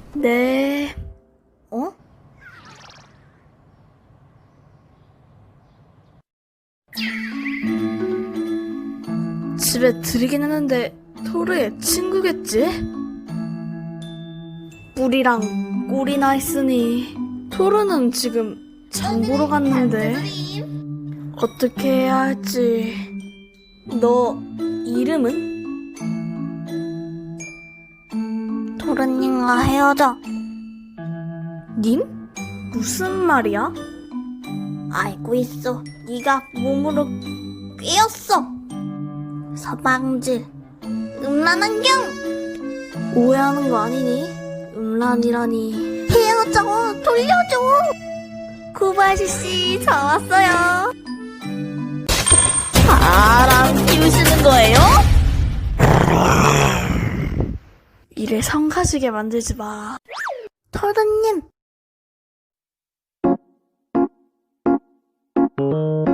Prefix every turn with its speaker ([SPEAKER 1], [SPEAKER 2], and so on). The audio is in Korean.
[SPEAKER 1] 네. 어? 집에 들이긴 했는데 토르의 친구겠지? 뿔이랑 꼴이나 있으니 토르는 지금 장 보러 갔는데 어떻게 해야 할지. 너 이름은?
[SPEAKER 2] 토르님과 헤어져.
[SPEAKER 1] 님? 무슨 말이야?
[SPEAKER 2] 알고 있어. 네가 몸으로 꿰었어. 서방질. 음란환경.
[SPEAKER 1] 오해하는 거 아니니? 음란이라니.
[SPEAKER 2] 헤어져. 돌려줘. 코바시씨, 저 왔어요. 바람 피우시는 거예요?
[SPEAKER 1] 이래 성가시게 만들지 마.
[SPEAKER 2] 토르님.